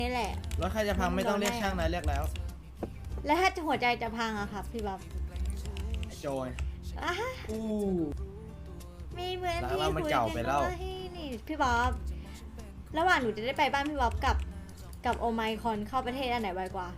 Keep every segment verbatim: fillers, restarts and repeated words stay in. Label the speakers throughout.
Speaker 1: นี่แหละ
Speaker 2: รถใครจะพังไม่ต้องเรียกช่างนะเรียกแล้ว
Speaker 1: แล้วถ้าหัวใจจะพังอะครับพี่บ๊อบ
Speaker 2: โจย
Speaker 1: อู้มีเหมือนที่คุยกันว่าให้นี่พี่บ๊อบระหว่างหนูจะได้ไปบ้านพี่บ๊อบกับกับโอไมคอนเข้าประเทศอันไหนไวกว่า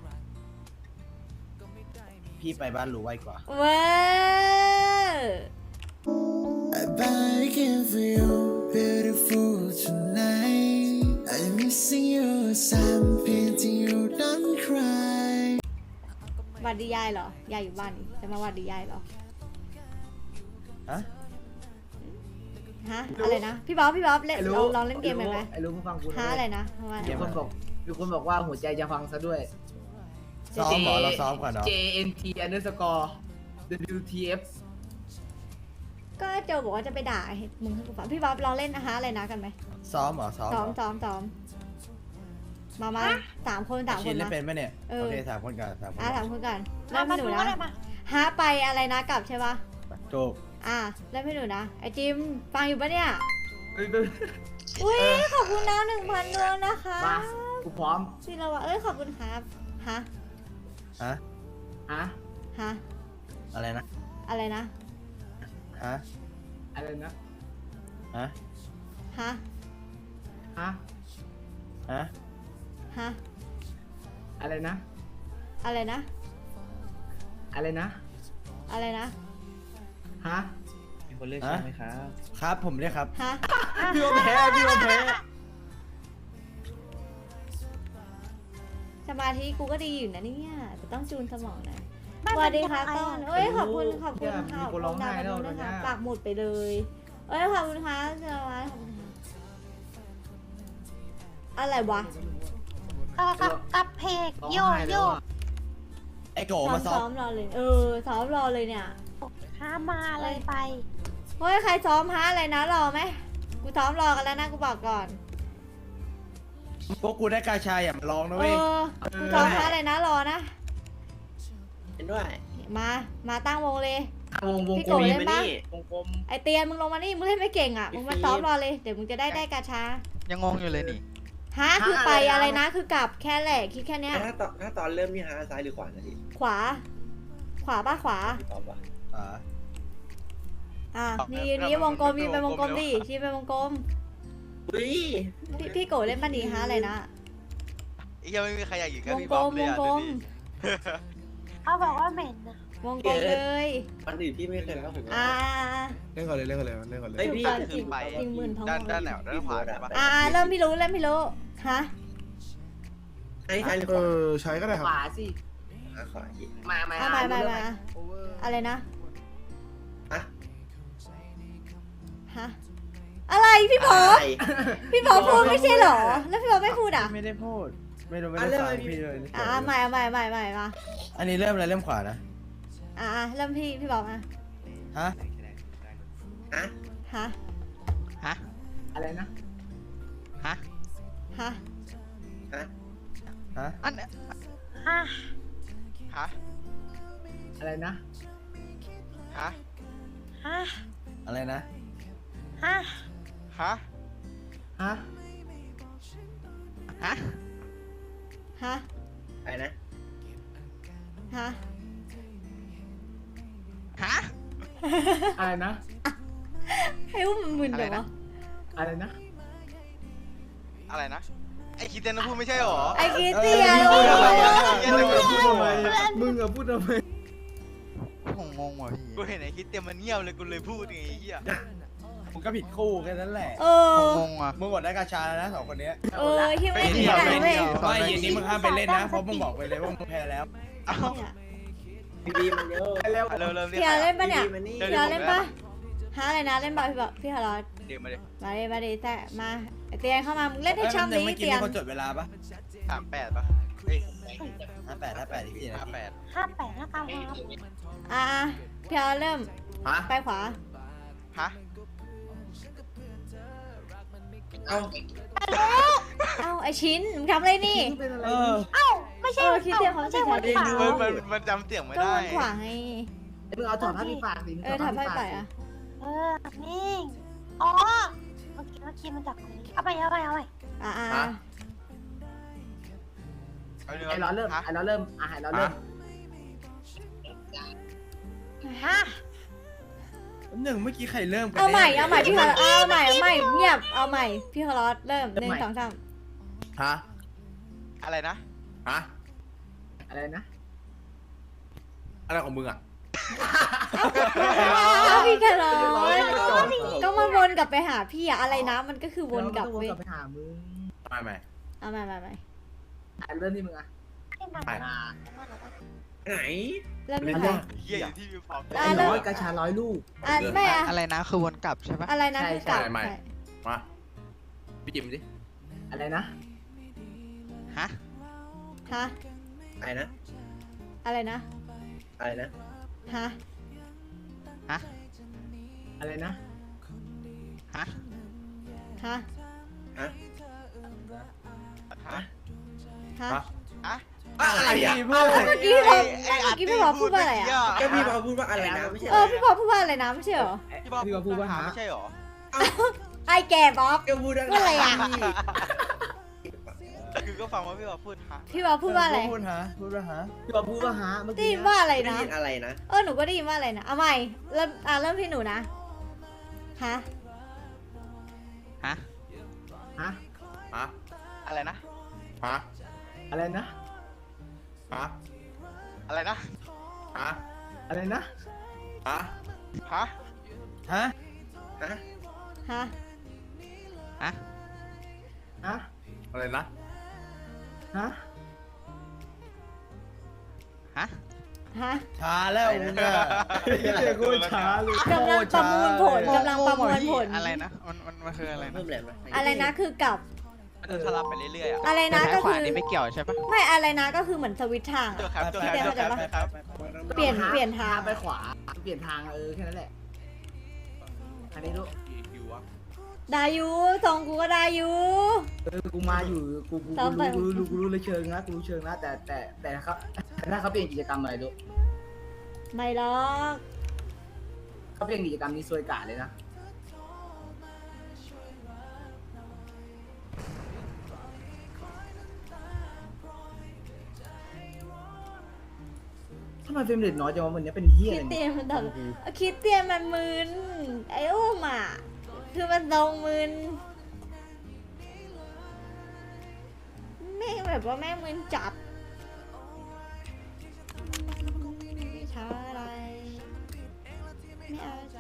Speaker 2: พี่ไปบ้านรู้ไวกว่า
Speaker 1: เว้ย
Speaker 3: I bargain for you beautiful tonight I'm missing you some painting you don't cry
Speaker 1: วัดดียายเหรอยายอยู่บ้านนี่จะมาวัดดียายเหรอ
Speaker 2: ฮะ
Speaker 1: ฮะอะไรนะพี่บ๊อบพี่บ๊อบเล่นลองลองเล่นเกมไหมไหม
Speaker 4: ไอ้รู้มึงฟังกู
Speaker 1: ฮะอะไรนะ
Speaker 4: มีคนบอกมีคนบอกว่าหัวใจจะฟังซะด้วย
Speaker 2: ซ้อมหรอเราซ้อมก่อนเนาะ
Speaker 4: J N T underscore W T F
Speaker 1: ก็โจบอกว่าจะไปด่ามึงให้กูฟังพี่บ๊อบลองเล่นนะฮะอะไรนะกันไหม
Speaker 2: ซ้อมหรอซ้อม
Speaker 1: ซ้อมซ้อมซ้อมมามาสามคนสามคน
Speaker 2: นะเป็นไหมเนี่ยโอเคสามคนกันสามคน
Speaker 1: อ่ะสามคนกันเริ่มให้หนูนะฮะไปอะไรนะกลับใช่ปะ
Speaker 2: ถูก
Speaker 1: อ่ะเริ่มให้หนูนะไอจิมฟังอยู่ปะเนี่ยอุ้ยขอบคุณนะหนึ่งพันดวงนะคะ
Speaker 4: มากูพร้อม
Speaker 1: พี่เราว่าเอ้ยขอบคุณครับฮะ
Speaker 2: ฮะ
Speaker 4: ฮะ
Speaker 1: ฮะ
Speaker 2: อะไรนะ
Speaker 1: อะไรนะ
Speaker 2: ฮะ
Speaker 4: อะไรนะ
Speaker 2: ฮะ
Speaker 1: ฮะ
Speaker 4: ฮะ
Speaker 2: ฮะ
Speaker 1: ฮะ
Speaker 4: อะไรนะ
Speaker 1: อะไรนะ
Speaker 4: อะไรนะ
Speaker 1: อะไรนะ
Speaker 4: ฮะ
Speaker 2: มีคนเรียกใช่ไหมครับครับผมเรียกครับ
Speaker 1: ฮะ
Speaker 4: พี่ว่าแพ้พี่ว่าแพ้
Speaker 1: สมาธิกูก็ดีอยู่นะเนี่ยแต่ต้องจูนสมองนะสวัสดีค่ะต้นเอ้ยขอบคุณขอบคุณค่ะขอบคุณดาวกันด้วยนะคะปากหมุดไปเลยเอ้ยขอบคุณค่ะสวัสดีขอบคุณค่ะอะไรวะ
Speaker 5: กับกับเพกโยโย่
Speaker 2: ไอโกมา
Speaker 1: ซ้อมรอเลยเออซ้อมรอเลยเนี่ย
Speaker 5: ห้ามาเลยไป
Speaker 1: เฮ้ยใครซ้อมฮะอะไรนะรอไหมกูซ้อมรอกันแล้วนะกูบอกก่อน
Speaker 2: พวกกูได้กาชายอย่ามาลองนะเว้ย
Speaker 1: กูซ้อมฮะอะไรนะรอนะ
Speaker 2: เห็นด้วย
Speaker 1: มามาตั้งวงเลยว
Speaker 4: งวง
Speaker 1: พี่โกเล่นปะ
Speaker 2: วงกลม
Speaker 1: ไอเตียนมึงลงมานี่มึงเล่นไม่เก่งอ่ะมึงมาซ้อมรอเลยเดี๋ยวมึงจะได้ได้กาชา
Speaker 6: ยังงงอยู่เลยนี่
Speaker 1: ฮะคือไปอะไรนะคือกลับแค่แหละคิดแค่เนี้ย
Speaker 7: ถ้าตอนถ้าตอนเริ่มนี่ฮะซ้ายหรือขวานะพี่
Speaker 1: ขวาขวาป่ะขวา
Speaker 7: ตอบป่ะ
Speaker 2: อ่า
Speaker 1: อ่ะนี่นี่วงกลมยืนไปวงกลมดิชี้ไปวงกลม
Speaker 7: อุ้ย
Speaker 1: พี่พี่โกเล่นปะนี่ฮะอะไรนะ
Speaker 6: ไอ้ยังไม่มีใครอยากอยู่กับ
Speaker 1: วง
Speaker 6: พี่
Speaker 1: กล
Speaker 6: บ๊อบ
Speaker 1: ม
Speaker 6: เล
Speaker 1: วยงกลม
Speaker 5: เขาบอกว่าเหม็นนะ
Speaker 1: วงกลมเลย
Speaker 7: วันอื่นพี่ไม่เคยแล้วผม
Speaker 1: อ่า
Speaker 8: เล่นก่อนเลยเล่นก่อนเลยเล่นก่อนเลย
Speaker 7: ไอพี่
Speaker 1: จริงจริงหมื่นทอง
Speaker 6: ด้านด้านไหนด้านขวาใช่ปะ
Speaker 1: อ่าเริ่มพี่รู้เริ่มพี่รู้ฮะ
Speaker 7: ไอ้ใช่หรือ
Speaker 8: เอ
Speaker 7: เปล่า
Speaker 8: อใช้ก็ได้ครั
Speaker 4: ข
Speaker 8: บ
Speaker 4: วาสิ
Speaker 7: ขวาอีก
Speaker 4: มามา
Speaker 1: มามามาอะไรนะ
Speaker 7: ฮะ
Speaker 1: ฮะอะไรพี่พอพี่พอพูดไม่ใช่หรอแล้วพี่พอไม่พูดอ่ะ
Speaker 2: ไม่ได้พูดไม่รู้ไม่ได้ฟังพี่เลย
Speaker 1: อ่าใหม่ใหม่ใหม่ใหม่มา
Speaker 2: อันนี้เริ่มอะไรเริ่มขวานะ
Speaker 1: อ่าเริ่มพี่พี่บอกอ่ะ
Speaker 2: ฮะ
Speaker 7: ฮะ
Speaker 1: ฮะ
Speaker 6: ฮะ
Speaker 4: อะไรนะ
Speaker 6: ฮะ
Speaker 1: ฮะ
Speaker 7: ฮะ
Speaker 2: ฮะ
Speaker 6: อันเนี้ย
Speaker 5: ฮะ
Speaker 6: ฮะ
Speaker 4: อะไรนะ
Speaker 6: ฮะ
Speaker 5: ฮะ
Speaker 2: อะไรนะ
Speaker 5: ฮะ
Speaker 6: ฮะ
Speaker 4: ฮะ
Speaker 6: ฮะ
Speaker 1: ฮะ
Speaker 7: อะไรนะ
Speaker 1: ฮะ
Speaker 6: ฮะ
Speaker 4: อะไรนะ
Speaker 1: ให้อุ้มมันมึนเดี๋ยววะ
Speaker 4: อะไรนะ
Speaker 6: อะไรนะไอ้คิดเต้นพูดไม่ใช่หรอ
Speaker 1: ไอ้คิดเตียน
Speaker 4: มึงอะพูดทำไมมึงอะพูดทำไม
Speaker 6: ผมงงว่ะพี่กูเห็นไอ้คิดเต้นมันเงียบเลยกูเลยพูดไงไอ้เหี้ย
Speaker 2: มึงก็ผิดคู่แค่นั้นแหละ
Speaker 1: เออง
Speaker 6: งอ่ะ
Speaker 2: มึงหมดได้กาชาแล้วนะสองคนนี้
Speaker 1: เออที่ไม่ได้ที่ไหนเว้ย
Speaker 2: ไม่เย็นนี้มึงห้ามไปเล่นนะเพราะมึงบอกไปเลยว่ามึงแพ้แล้ว
Speaker 7: พี่บีมันเยอะ
Speaker 6: เร็วเร็วเร็ว
Speaker 1: พี่เล่นปะเนี่ยพี่เล่นปะฮะอะไรนะเล่นบอลพี่บอกพี่ฮาร์ล
Speaker 6: เดี๋ยวมาดิ
Speaker 1: มาดิมาดิแต่มาเตียนเข้ามามึงเล่นให้ช่ำนี้เตียน
Speaker 2: เขาจดเวลาปะ
Speaker 6: สามแปดปะเฮ้ย
Speaker 2: ห้าแปดห้าแปดที่
Speaker 6: ห้าแปด
Speaker 5: ห้าแปดแล้วกันครับ
Speaker 1: อ่าพี่ฮาร์เริ่มไปขวา
Speaker 6: ฮะ
Speaker 7: เอ้า
Speaker 1: เอ้าไอชิ้นมึงทำอะไรนี่
Speaker 2: เออ
Speaker 5: เอ้าไม่ใช่
Speaker 1: คิดเตียนเขาใช่
Speaker 5: หัว
Speaker 6: มันมันมันจำเสียงไม่ได้
Speaker 1: ก็มันขวางไง
Speaker 4: มึงเอาถอดผ้าปิดปากสิ
Speaker 1: เออถอดผ้าปิดปากอ่ะ
Speaker 5: เออนี่อ๋อเมื่อกี้เมื่อกี้มันจากนี้เอาไปเอาไปเอาไป
Speaker 1: อ่า
Speaker 7: ไอ้ร้อนเริ่มไอ้ร้อนเริ่มอ่ะไอ้ร้อนเริ่ม
Speaker 5: ฮะ
Speaker 2: หนึ่งเมื่อกี้ใครเริ่มกัน
Speaker 1: เอาใหม่
Speaker 2: แน่
Speaker 1: เอาใหม่พี่คาร์ลเอาใหม่เอาใหม่เงียบเอาใหม่พี่คาร์ลเริ่มหนึ่งสองสาม
Speaker 2: ฮะ
Speaker 6: อะไรนะ
Speaker 2: ฮะ
Speaker 7: อะไรนะ
Speaker 2: อะไรของมึงอ่ะ
Speaker 1: เอาพี่คาร์ลก็มาวนกลับไปหาพี่อะอะไรนะมันก็คือวนกลับ
Speaker 7: วน
Speaker 1: เว้ย
Speaker 7: กลับไปหามึง
Speaker 2: ไม่ไม่
Speaker 1: เอาใหม่ใหม่ใหม่
Speaker 7: ไอ้เริ่มที่มึงอ่ะ
Speaker 5: ที่มัน
Speaker 2: ไป
Speaker 7: อ่า
Speaker 2: ไหน
Speaker 1: เริ่มที่
Speaker 2: ไม่
Speaker 1: ใคร
Speaker 2: ได้
Speaker 6: เฮียอยู่ที่วิวฟอร์ม
Speaker 1: อ่ะ
Speaker 7: ไอ้
Speaker 1: เริ่ม
Speaker 7: ร้อยกระชาร้อยลูก
Speaker 1: อ่ะไม่อะ
Speaker 6: อะไรนะคือวนกลับใช่ปะ
Speaker 1: อะไรนะ
Speaker 7: ใช่
Speaker 1: คือกลับ
Speaker 2: ใช่ไม่
Speaker 1: ใช่
Speaker 2: มาพี่จิมดิ
Speaker 7: อะไรนะ
Speaker 6: ฮะ
Speaker 1: ฮะ
Speaker 7: อะไรนะ
Speaker 1: อะไรนะ
Speaker 7: อะไรนะ
Speaker 1: ฮะ
Speaker 6: ฮะ
Speaker 7: อะไรนะ
Speaker 6: ฮะ
Speaker 1: ฮะ
Speaker 7: ฮะ
Speaker 6: ฮะ
Speaker 1: ฮะ
Speaker 2: ฮะ
Speaker 6: ฮะ
Speaker 2: อะไรอ่ะ
Speaker 1: เมื่อกี้พี่บอลเมื่อกี้พี่บอลพูดว่าอะไรอะ
Speaker 7: ก็พี่มาพูดว่าอะไรนะไม่ใช่
Speaker 1: เออพี่บอลพูดว่าอะไรนะไม่ใช่เหรอ
Speaker 6: พี่บอก
Speaker 7: พี่บอกพูดว่าหา
Speaker 6: ไม่ใช่หรอ
Speaker 1: ไอ้แก่บ๊อบ
Speaker 7: ก็พูด
Speaker 1: พูดอะไรอะ
Speaker 6: คือก็ฟังว่าพี่บอกพูดฮะ
Speaker 1: พี่บอลพูดว่าอะไร
Speaker 2: พูดฮะพูดว่าฮะ
Speaker 7: พี่บอกพูดว่าหาเมื่อ
Speaker 1: ได้
Speaker 7: กี้
Speaker 1: ยินว่าอะไร
Speaker 7: ได้
Speaker 1: นะ
Speaker 7: ยินอะไรนะ
Speaker 1: เออหนูก็ได้ยินว่าอะไรนะเอาใหม่เริ่มอ่ะเริ่มที่หนูนะฮะ
Speaker 6: ฮะ
Speaker 7: ฮะ
Speaker 2: ฮะ
Speaker 6: อะไรนะ
Speaker 2: ฮะ
Speaker 7: อะไรนะ
Speaker 2: ฮะ
Speaker 6: อะไรนะ
Speaker 2: ฮะ
Speaker 7: อะไรนะ
Speaker 2: ฮะ
Speaker 6: ฮะ
Speaker 2: ฮะ
Speaker 7: ฮะ
Speaker 1: ฮะ
Speaker 6: ฮะ
Speaker 7: ฮะ
Speaker 2: อะไรนะ
Speaker 7: ฮะ
Speaker 6: ฮะ
Speaker 1: ฮะ
Speaker 2: ช้าแล้วมึงอ่ะ
Speaker 4: เจ๊โคตรช้าเลย
Speaker 1: กำลังประมวลผลกำลังประมวลผล
Speaker 6: อะไรนะมันมันมันคืออะไรนะ
Speaker 7: เพิ่มแรงไหม
Speaker 1: อะไรนะคือกลับ
Speaker 6: มันสลับไปเรื่อยๆอ่ะ
Speaker 1: อะไรนะ
Speaker 6: แต่
Speaker 1: ก็
Speaker 6: ซ้ายข
Speaker 1: คื
Speaker 6: วา
Speaker 1: อ
Speaker 6: นี่ไม่เกี่ยวใช่ปะ
Speaker 1: ไม่อะไรนะก็คือเหมือนสวิตช์ทาง
Speaker 6: ตัว
Speaker 1: อะ
Speaker 6: ครับตัวครับ
Speaker 1: พี่
Speaker 6: ตัว
Speaker 1: เต้
Speaker 6: ครับ
Speaker 1: เข้าใจปะ
Speaker 6: ครับ
Speaker 1: เปลี่ยนเปลี่ยนทาง
Speaker 7: ไปขวา เปลี่ยนทางเออแค่นั้นแหละ อันนี้ลูก
Speaker 1: ดายูทรงกูก็ดายู
Speaker 7: เออกูมาอยู่ กูกู
Speaker 1: ต่อ
Speaker 7: กู
Speaker 1: ไป
Speaker 7: รู้กูรู้กูรู้เลยเชิงนะกูรู้เชิงนะแต่แต่แต่ครับแต่ถ้าเขาเปลี่ยนกิจกรรมอะไรลูก
Speaker 1: ไม่หรอก
Speaker 7: เขาเปลี่ยนกิจกรรมนี้ซวยกาเลยนะทำไมเฟรมเรทน้อยจังวะวันนี้เป็นเฮีย
Speaker 1: คิ
Speaker 7: อะไร
Speaker 1: ดเตี
Speaker 7: เนี่ย
Speaker 1: ยนมันตลกคิดเตียนมันมึนไอ้อุ้มอ่ะคือมันทรงมึนแม่งแบบว่าแม่งมึนจัดไม่ช้าอะไรไม่เอาใจ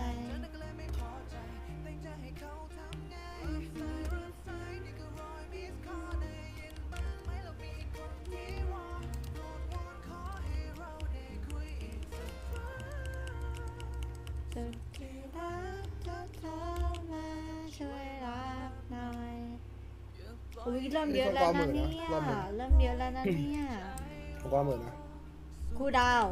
Speaker 1: สุดที่รักจะโทรมาช่วยรับหน่อยอุ้ยเริ่มเยอะแล้วนะเนี่ย เริ่มเยอะแล้วนะเนี่ย
Speaker 8: ผมว่าเหมือนนะ
Speaker 1: ครูดาว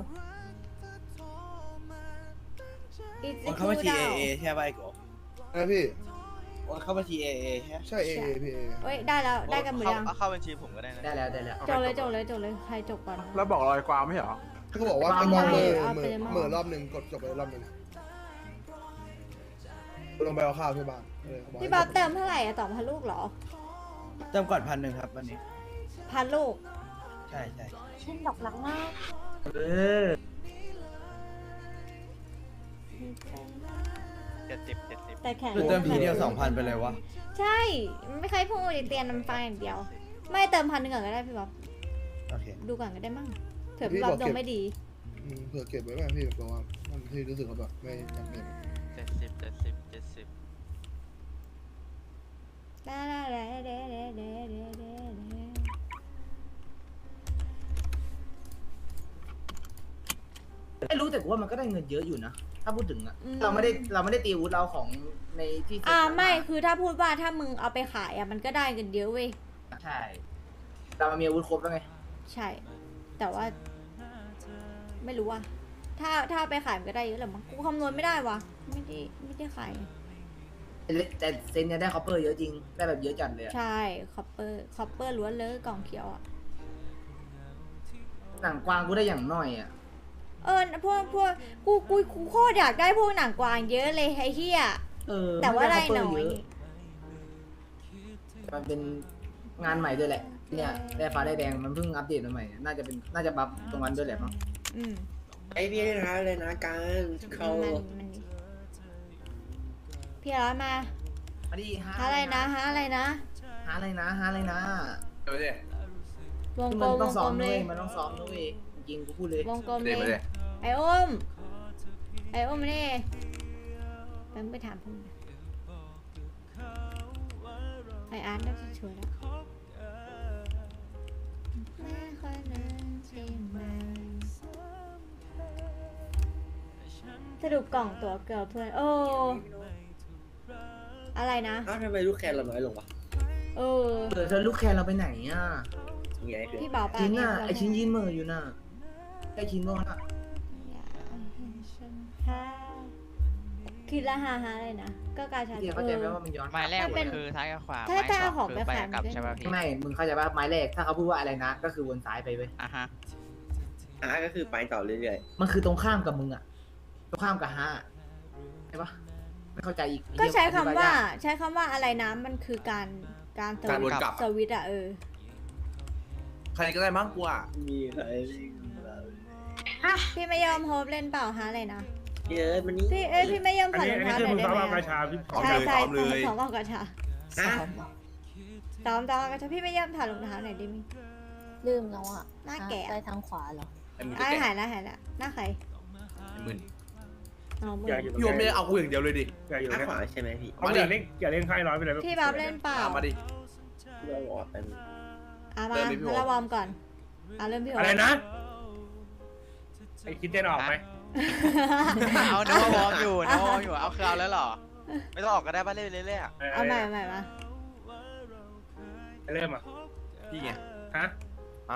Speaker 1: อีก
Speaker 2: โอน
Speaker 1: ค
Speaker 2: เข้า
Speaker 1: รู
Speaker 2: บัญชี
Speaker 1: ดา
Speaker 2: เอ
Speaker 1: ว
Speaker 2: เอใช่ป่ะไอ้โก
Speaker 8: นะพี่
Speaker 2: โอนเข้าบัญชีเอเอใช่
Speaker 8: ใช่เอเอพี่เอ
Speaker 1: เอ้ยได้แล้วได้กันหมดยัง
Speaker 6: เอาเข้าบัญชีผมก็ได้นะ
Speaker 7: ได้แล้วได้แล้ว
Speaker 1: จบเลยจบเลยจบเลยใครจบก่อน
Speaker 4: แล้วบอกรอยความไม่เหรอ
Speaker 8: เขาก็บอกว่า
Speaker 7: ไม่
Speaker 8: จะมองเหมือ
Speaker 1: เอา
Speaker 8: เห
Speaker 1: ไป
Speaker 8: มือ
Speaker 1: เลยมั้ง
Speaker 8: เหมือรอบหนึ่งกดจบไปรอบหนึ่งลงไปเอาข้าวที่บ้านเออเข
Speaker 1: พี่บ๊อบเติมเท่าไหร่อะต่อพันลูกเหรอ
Speaker 2: เติมก่อนพันหนึ่งครับวันนี้
Speaker 1: พันลูก
Speaker 2: ใช่ใช่
Speaker 5: ชิ้นดอกหลังมาก
Speaker 7: เออ
Speaker 6: เจ็ดสิบเจ็ดสิบ
Speaker 1: แต่แข่ง
Speaker 2: คือเติมทีเดียวสองพันไปเลยวะ
Speaker 1: ใช่ไม่เคยพูดดิเตียนน้ำฟังอย่างเดียว ไม่เติมพันหนึ่งก่อนก็ได้พี่บ๊อบ
Speaker 2: โอเค
Speaker 1: ดูก่อนก็ได้มั้งเผื่อพี่บ๊อบดวงไม่ดี
Speaker 8: อืมเผื่อเก็บไว้ไหมพี่เพราะว่ามันที่รู้สึกว่าแบบไม่จำเป็น
Speaker 6: เจ็ดสิบเจ็ดสิบเจ็ดสิบ
Speaker 1: ได้ได้ได้ได้ได้ได้ได้ได้
Speaker 7: ไม่รู้แต่กูว่ามันก็ได้เงินเยอะอยู่นะ ถ้าพูดถึงอะเราไม่ได้เราไม่ได้ตีอาวุธเราของในที่เซ็ต
Speaker 1: อ่า
Speaker 7: กัน
Speaker 1: ไม่คือถ้าพูดว่าถ้ามึงเอาไปขายอ่ะมันก็ได้กันเยอะเว้ย
Speaker 7: ใช่ เรามีอาวุธครบแล้วไง
Speaker 1: ใช่ แต่ว่า ไม่รู้ว่า ถ้าถ้าเอาไปขายมันก็ได้เยอะแหละมั้งกูคำนวณไม่ได้วะไม่ได้ไม่ได้ขาย
Speaker 7: แต่เซนเนี่ยได้คอปเปอร์เยอะจริง ได้แบบเยอะจัดเลยอะ
Speaker 1: ใช่คอปเปอร์คอปเปอร์ล้วนเลยกล่องเขียวอ่ะ
Speaker 7: หนังกวางกูได้อย่างน้อยอะ
Speaker 1: เออพวกพวกกูกูกูโคตรอยากได้พวกหนังกวางเยอะเลยไอ้เหี้ย
Speaker 7: เออ
Speaker 1: แต่ว่าได้
Speaker 7: ม่
Speaker 1: น้อย
Speaker 7: copper เะมันเป็นงานใหม่ด้วยแหละเนี่ยได้ฟ้าได้แดงมันเพิ่งอัปเดตมาใหม่น่าจะเป็นน่าจะบัฟตรงนั้นด้วยแหละมั้ง
Speaker 1: อืม
Speaker 9: ไอ้พี่นะเลยนะการเขา
Speaker 1: มันมันพี่ร้อยมา
Speaker 7: มาดิ
Speaker 1: หาอะไรนะหาอะไรนะ
Speaker 7: หาอะไรนะหาอะไรนะ
Speaker 2: เดี๋ยวดิ
Speaker 1: วงกล
Speaker 7: มัน
Speaker 1: มว
Speaker 7: ต้อง
Speaker 1: ง
Speaker 7: ซ้
Speaker 1: ก
Speaker 7: อ
Speaker 1: ล
Speaker 7: ม
Speaker 1: มเล
Speaker 7: ด้วย
Speaker 1: ย
Speaker 7: มันต้องซ้อมด้วยจริงๆกูพูดเลยว
Speaker 1: งกลม
Speaker 2: เดี๋ยว
Speaker 1: เล
Speaker 2: มาย ดิ
Speaker 1: ไอ้อุ้มไอ้อุ้มนี่แป๊บไปถามพุ่มไอ้อาร์ตน่าจะช่วยแล้วไม่ค่อยนั้นใช่ไหมสรุปกล่องตัวเกือบเพื่อนโอ้อะไรนะ
Speaker 9: อ้าวทำไมลูกแคนเราน้อยลงวะ
Speaker 1: เออ
Speaker 7: เออเธอลูกแคนเราไปไหนอ่ะ
Speaker 9: ยังไงคือ
Speaker 1: พี่บอกปา
Speaker 7: ชิ้น
Speaker 1: เนี่ย
Speaker 7: น่ะไอชิ้นยืนมืออยู่น่ะไอชิ้นโน่นอ่ะ
Speaker 1: อยากเห็นฉันแพ้คิดละฮาฮาเลยนะ ก็กาชา
Speaker 7: พี่เข้าใจไหมว่ามันย้อน
Speaker 10: ไม้แรก
Speaker 1: ถ้าเป็น
Speaker 10: คือซ้ายกับขวา
Speaker 1: ถ้า
Speaker 10: ไม้
Speaker 1: ถ้า
Speaker 10: ส
Speaker 1: เอา
Speaker 10: อง
Speaker 1: ของ
Speaker 10: คือ
Speaker 1: ไป
Speaker 10: ไป
Speaker 1: ขาย
Speaker 10: กลับ
Speaker 1: มันก็
Speaker 10: ใช่ป่ะพี่
Speaker 7: ไม่มึงเข้าใจป่ะไม้แรกถ้าเขาพูดว่าอะไรนะ ก็คือวนซ้ายไปเว้ย
Speaker 10: อ่ะฮะ
Speaker 9: อ่ะก็คือไปต่อเรื่อย
Speaker 7: มันคือตรงข้ามกับมึงอ่ะตรงข้ามกับฮะใช่ปะไม่เข้าใจอีก
Speaker 1: ก็ใช้คำ
Speaker 7: อธิบย
Speaker 1: ว่า
Speaker 7: ยก
Speaker 1: ใช้คำว่าอะไรนะมันคือการการส
Speaker 2: การว
Speaker 1: วิ
Speaker 2: น
Speaker 1: ตช์
Speaker 2: กลับ
Speaker 1: สวิตช์อะเออ
Speaker 2: ใครก็ได้มั้งกูอ่ะ
Speaker 9: ๆมีใคร
Speaker 1: พี่ไม่ยอมโฮปเล่นเปล่าฮะอะไรนะ
Speaker 9: เยอะมันนี่
Speaker 1: พี่เอ้ยพี่ไม่ยอมถอดรองเท้าหน่อยได้ไหม
Speaker 4: กระ
Speaker 1: อะ
Speaker 4: ชาพี่
Speaker 2: พร้อม
Speaker 1: ใช่
Speaker 2: เลย
Speaker 1: ใช่
Speaker 2: พร้อมเลย
Speaker 1: สองกล่องกระชา
Speaker 9: อ่ะ
Speaker 1: ตอมตอมกระชาพี่ไม่ยอมถอดรองเท้าหน่อยได้ไหม
Speaker 5: ลืมแล้วอ่ะ
Speaker 1: หน้าแก่
Speaker 5: ซ้ายทางขวาเหรอ
Speaker 2: ไอ้มึง
Speaker 1: อ่ะ
Speaker 2: จะแกะ
Speaker 1: หายแล้วหายแล้วหน้าใคร
Speaker 2: หมื่น
Speaker 1: อ๋อมึง
Speaker 4: อยากอยู่
Speaker 2: พี่โอมไม่ได้เอากูอย่างเดียวเลยดิ
Speaker 4: อยากอยู่
Speaker 9: ข้าง
Speaker 4: เนี่ย
Speaker 9: ขวาใช่ไหมพี่
Speaker 4: เอาอย่าเล่นอย่าเล่นค่ายน้อยไปเลย
Speaker 1: พี่บ๊อบเล่นเปล่า
Speaker 2: เอามาดิ
Speaker 9: เราบอกว่าเป็น
Speaker 1: อ่ะมา
Speaker 2: เริ่มเลยพี่โอ
Speaker 1: งั้นเราวอร์มก่อนอ่ะเริ่มพี่โอ
Speaker 4: อะไรนะไอ้คิดเต้นออกไหม
Speaker 6: เอาเนื้อวอร์มอยู่เนื้อวอร์มอยู่เอาคือเอาแล้วเหรอ ไม่ต้องออกก็ได้ป่ะเล่นเรื่อยๆอะ
Speaker 1: เอาใหม่เอาใหม่มา
Speaker 4: เริ่มอ่ะ
Speaker 2: พี่ไง
Speaker 4: ฮะ
Speaker 2: ฮะ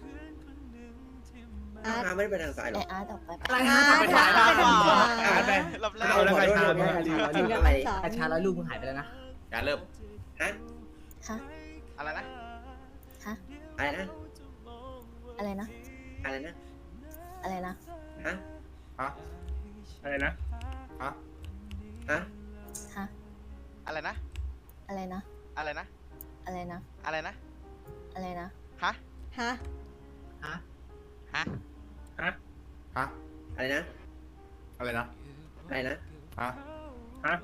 Speaker 1: อาร์ต
Speaker 9: ทางไม่ได้ไปทางซ้ายหร
Speaker 5: ไอ
Speaker 9: อ
Speaker 5: อาร์ตออกไปปะ
Speaker 7: อะไร
Speaker 1: อา
Speaker 7: ฮะ
Speaker 1: ร์ต
Speaker 7: ไป
Speaker 1: อา
Speaker 7: ถ่าย
Speaker 1: ร์ต
Speaker 7: ภาพ
Speaker 1: ไป
Speaker 7: ก่อน
Speaker 1: ทางขวา
Speaker 4: อ่านไป
Speaker 6: รอบแรก
Speaker 9: เอาแล้ว
Speaker 4: ไป
Speaker 9: ขอโทษ
Speaker 4: ทาง
Speaker 9: ด้วยลืม
Speaker 1: ถึ
Speaker 9: ลื
Speaker 1: ง
Speaker 9: ม
Speaker 1: กับ
Speaker 9: อะไร
Speaker 1: อันสอง
Speaker 7: กระชาร้อยลูกมึงหายไปแล้วนะ
Speaker 2: การเริ่ม
Speaker 9: ฮะ
Speaker 5: ฮะ
Speaker 6: อะไรนะ
Speaker 5: ฮะ
Speaker 9: อะไรนะ
Speaker 5: อะไรนะ
Speaker 9: อะไรนะ
Speaker 5: อะไรนะ
Speaker 9: ฮะ
Speaker 2: ฮะ
Speaker 4: อะไรนะ
Speaker 2: ฮะ
Speaker 9: ฮะ
Speaker 5: ฮะ
Speaker 6: อะไรนะ
Speaker 5: อะไรนะ
Speaker 6: อะไรนะ
Speaker 5: อะไรนะ
Speaker 6: อะไรนะ
Speaker 5: อะไรนะ
Speaker 6: ฮะ
Speaker 1: ฮะ
Speaker 7: ฮะ
Speaker 6: ฮะ
Speaker 4: ฮะ
Speaker 2: ฮะ
Speaker 9: อะไรนะ
Speaker 2: อะไรนะ
Speaker 9: อะไรนะ
Speaker 2: ฮะ
Speaker 4: ฮะ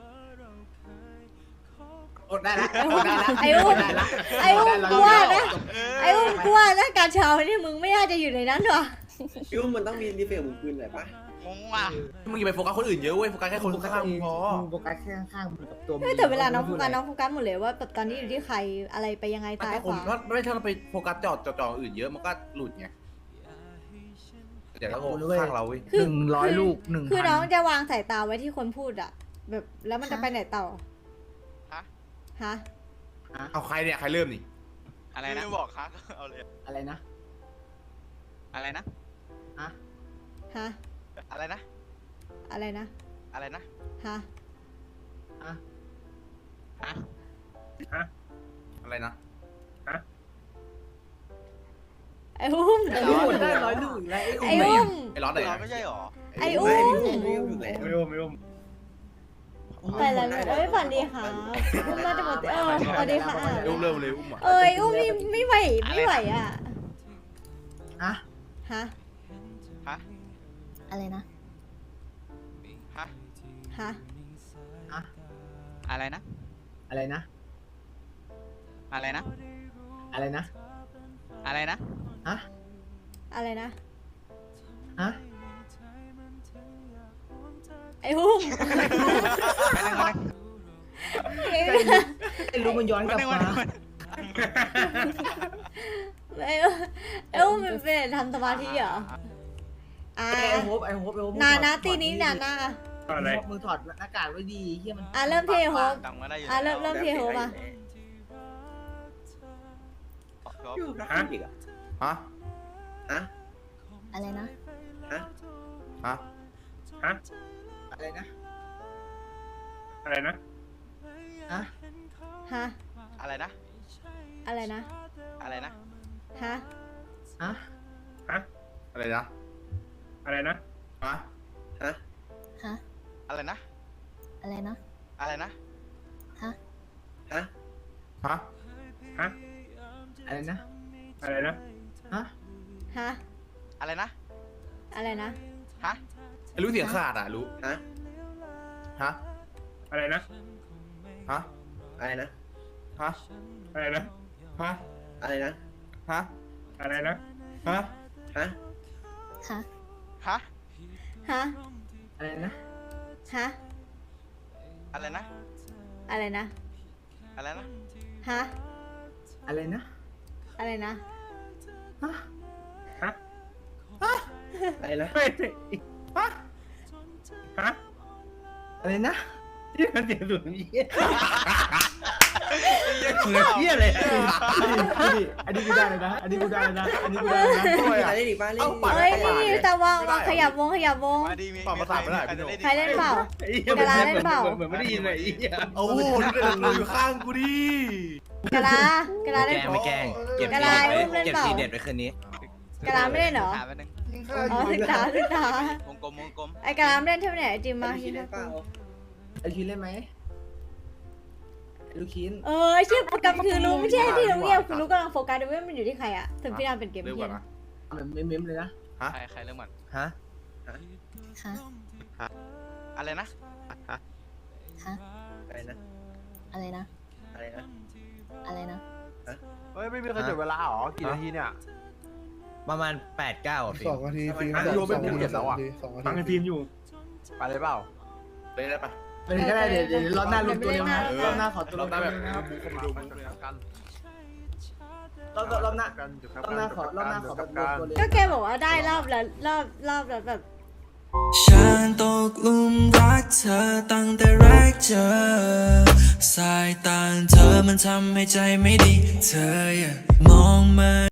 Speaker 7: อดได้ละ
Speaker 1: ไอ้
Speaker 7: อ
Speaker 1: อุ้
Speaker 7: ด
Speaker 1: ม
Speaker 7: ได้ละ
Speaker 1: ไอ้อุ้ม
Speaker 7: ด้ละ
Speaker 1: ไอ้อุ้มกลัวนะไอ้อุ้มกลัวนะการเช้านี่มึงไม่น่าจะอยู่ในนั้นหรอ
Speaker 9: พี่ว่ามันต้องมีรีเฟลมึงคืนหน่อยปะ
Speaker 6: งงว่ะ
Speaker 2: มึงอย่าไปโฟกัสคนอื่นเยอะเว้ยโฟกัสแค่คนข้างๆมึงพอ
Speaker 7: มึงโฟกัสแค่ข้างๆมึงกับตัวมึง
Speaker 1: เฮ้ยแต่เวลาน้องโฟกัสน้องโฟกัสหมดเลยว่าแบบตอนนี้อยู่ที่ใครอะไรไปยังไงซ้าย
Speaker 2: ถ้า
Speaker 1: ข
Speaker 2: คน
Speaker 1: วา
Speaker 2: ถ้าไม่ถ้าเราไปโฟกัสจอดจอดจออื่นเยอะมันก็หลุดไงเดี๋ยวเราข้างเราเว้ย
Speaker 7: หนึ่งร้อยลูกหนึ่ง
Speaker 1: คือ
Speaker 7: พั
Speaker 1: น้องจะวางสายตาไว้ที่คนพูดอะแบบแล้วมันจะไปไหนต่อ
Speaker 6: ฮะ
Speaker 1: ฮะ
Speaker 2: เอาใครเนี่ยใครเริ่มนี่
Speaker 6: อะไรนะบอกครับเอาเลย
Speaker 7: อะไรนะ
Speaker 6: อะไรนะ
Speaker 7: ฮะ
Speaker 1: ฮะ
Speaker 6: อะไรนะ
Speaker 1: อะไรนะ
Speaker 6: อะไรนะ
Speaker 1: ฮะ
Speaker 7: ฮะ
Speaker 6: ฮะ
Speaker 4: ฮะ
Speaker 2: อะไรนะ
Speaker 1: ไอ้อุ้ม
Speaker 7: ไอ้ลูกได้ร้อยลูกอีกแล้วไอ้
Speaker 1: ไอ้
Speaker 7: อุ้ม
Speaker 1: อุ้ม
Speaker 2: ไอ้ร้อนไหน
Speaker 6: เรา
Speaker 2: อะ
Speaker 6: ไม่ใช่หรอ
Speaker 1: ไอ้อุ้ม
Speaker 9: ไม่ไม่อยู่ไหน
Speaker 4: ไม่รู้ไม่รู้
Speaker 1: ไปแล้วเอ้ยฝันดีค่ะอุ้มมาจะหมดเออสวัสดีค่ะ
Speaker 2: อุ้มเริ่มเลยอุ้มอ่ะ
Speaker 1: เอ้ยอุ้มนี่ไม่ไหวไม่ไหวอะ
Speaker 7: ฮะ
Speaker 1: ฮะ
Speaker 6: ฮะ
Speaker 5: อะไรนะ
Speaker 6: ฮะ
Speaker 1: ฮะ
Speaker 7: ฮะ
Speaker 10: อะไรนะ
Speaker 7: อะไรนะ
Speaker 10: อะไรนะ
Speaker 7: อะไรนะ
Speaker 10: อะไรนะ
Speaker 7: ฮะ
Speaker 1: อะไรนะ
Speaker 7: ฮะ
Speaker 1: ไอ้อุ้ม
Speaker 10: ไปนั่งมานั่ง
Speaker 7: ไอ้ลูกมันย้อนกลับมา
Speaker 1: ไอ้อุ้มไอ้อุ้มมันเป็นทำสมาธิเหรออ่า
Speaker 7: ไอ้โฮปไอ้โฮปไอ้โฮป
Speaker 1: นานะตีนี้นานะ
Speaker 4: อะไร
Speaker 7: มึงถอดหน้ากากไว้ดีเฮียมัน
Speaker 1: อ่ะเริ่มที่โฮป
Speaker 6: ตังค์มาได้อยู่
Speaker 1: อ่ะเริ่มเริ่มที่โฮปอ่ะ
Speaker 9: อยู่รักอีกอ่ะ
Speaker 2: ฮะ
Speaker 9: ฮะ
Speaker 5: อะไรนะ
Speaker 9: ฮะ
Speaker 2: ฮะ
Speaker 4: ฮะ
Speaker 7: อะไรนะ
Speaker 4: อะไรนะ
Speaker 7: ฮะ
Speaker 1: ฮะ
Speaker 6: อะไรนะ
Speaker 1: อะไรนะ
Speaker 6: อะไรนะ
Speaker 1: ฮะ
Speaker 7: ฮะ
Speaker 4: ฮะ
Speaker 2: อะไรนะ
Speaker 4: อะไรนะ
Speaker 2: ฮะ
Speaker 9: ฮะ
Speaker 5: ฮะ
Speaker 6: อะไรนะ
Speaker 5: อะไรนะ
Speaker 6: อะไรนะ
Speaker 5: ฮะ
Speaker 9: ฮะ
Speaker 2: ฮะ
Speaker 4: ฮะ
Speaker 7: อะไรนะ
Speaker 4: อะไรนะ
Speaker 7: ฮะ
Speaker 1: ฮะ
Speaker 6: อะไรนะ
Speaker 1: อะไรนะ
Speaker 6: ฮะ
Speaker 2: ไอ้รู้เสียงขาดอ่ะรู้
Speaker 9: ฮะ
Speaker 2: ฮะ
Speaker 4: อะไรนะ
Speaker 2: ฮะ
Speaker 9: อะไรนะ
Speaker 2: ฮะ
Speaker 4: อะไรนะ
Speaker 2: ฮะ
Speaker 9: อะไรนะ
Speaker 2: ฮะ
Speaker 4: อะไรนะ
Speaker 2: ฮะ
Speaker 9: ฮะ
Speaker 5: ฮะ
Speaker 6: ฮะ
Speaker 1: ฮะ
Speaker 7: อะไรนะ
Speaker 1: ฮะ
Speaker 6: อะไรนะ
Speaker 1: อะไรนะ
Speaker 6: อะไรนะ
Speaker 1: ฮะ
Speaker 7: อะไรนะ
Speaker 1: อะไรนะ
Speaker 7: ฮะ
Speaker 4: ฮะ
Speaker 9: อะไรนะ
Speaker 4: ไม่ฮะฮะ
Speaker 7: อะไรนะ
Speaker 4: ที่มันเสียงสูงเยี่ย
Speaker 7: เฮียเลยอันนี้กูได้เลยนะ อันนี้กูได้เลยนะ อันนี้กูได้เลยนะ
Speaker 9: อะไรได้อีกบ้างเล่น
Speaker 1: เฮ้ยนี่นี่ตะวางวางขยับวงขยับวง
Speaker 6: มาดีมี
Speaker 2: ปรับภาษาไม่ได้
Speaker 6: ใครจะเล่น
Speaker 1: ใครเล่นเปล่า
Speaker 4: เหมือนไม่ได้ยินเลยไอ้เหี้ย
Speaker 2: โอ้โหรู้เลยรู้อยู่ข้างกูดิ
Speaker 1: กะลากะลาเล่น
Speaker 8: ไม่แกล้ง
Speaker 1: เก็บกะลาอุ้มเล่นเปล่า
Speaker 8: เด็ดไปคืนนี้
Speaker 1: กะลาไม่เล่นเหรอ
Speaker 10: ถามแป๊บนึง
Speaker 8: ยิงข้า
Speaker 1: อ๋อศึกษาศึกษาว
Speaker 6: งกลมวงกลม
Speaker 1: ไอ้กะลาไม่เล่นเท่าไหร่จิมมา
Speaker 9: คิดได้เปล่า
Speaker 7: ไอคินเล่นไหมลูกคิน
Speaker 1: เออชื่อโปรแกรมคือรู้ไม่ใช่ที่รู้เงียบคือรู้กำลังโฟกัสดูว่ามันอยู่ที่ใครอะถึงพี่นามเป็นเกม
Speaker 2: เร็วก
Speaker 1: เพี้ย
Speaker 2: ว่าน นะ
Speaker 7: แบบเม้มๆเลยนะ
Speaker 6: ใครใครเริ่มก่อน
Speaker 8: ฮะ
Speaker 5: ฮะ
Speaker 6: อะไรนะ
Speaker 5: ฮะ
Speaker 9: อะไรนะ
Speaker 5: อะไรนะ
Speaker 9: อะไรนะ
Speaker 5: อะไรนะ
Speaker 8: เฮ้ย ไม่มีใครจุดเวลาหรอ กี่นาทีเนี่ย ประมาณแปดเก้าอ่ะพี่สองนาทีฟิล์ม
Speaker 2: อ่ะ
Speaker 8: สอง
Speaker 2: รวมเป็น
Speaker 8: นาที
Speaker 2: ภูเก็ตแล้วอะ
Speaker 8: สองนา
Speaker 4: ฟัง
Speaker 8: ที
Speaker 4: ในฟิล์มอยู่
Speaker 8: ไปเลยเปล่า
Speaker 2: เล่นได้ปะ
Speaker 7: ไปเลยก็ได้เดี๋ยวเดี๋ยวรอบหน้ารวมตัวเร็วนะรอบหน้าขอตัว
Speaker 2: รอบหน้าแบบ
Speaker 7: เร็วนะครับ
Speaker 2: บูเข้ามาดูบูเลยนะ
Speaker 7: รอบรอบหน้ารอบหน้าขอรอบหน้าขอแบบรวมตัวเร็ว
Speaker 1: ก็แกบอกว่าได้รอบละรอบรอบละแบบ
Speaker 3: ฉันตกหลุมรักเธอตั้งแต่แรกเจอ สายตาเธอมันทำให้ใจไม่ดี เธออย่ามองมา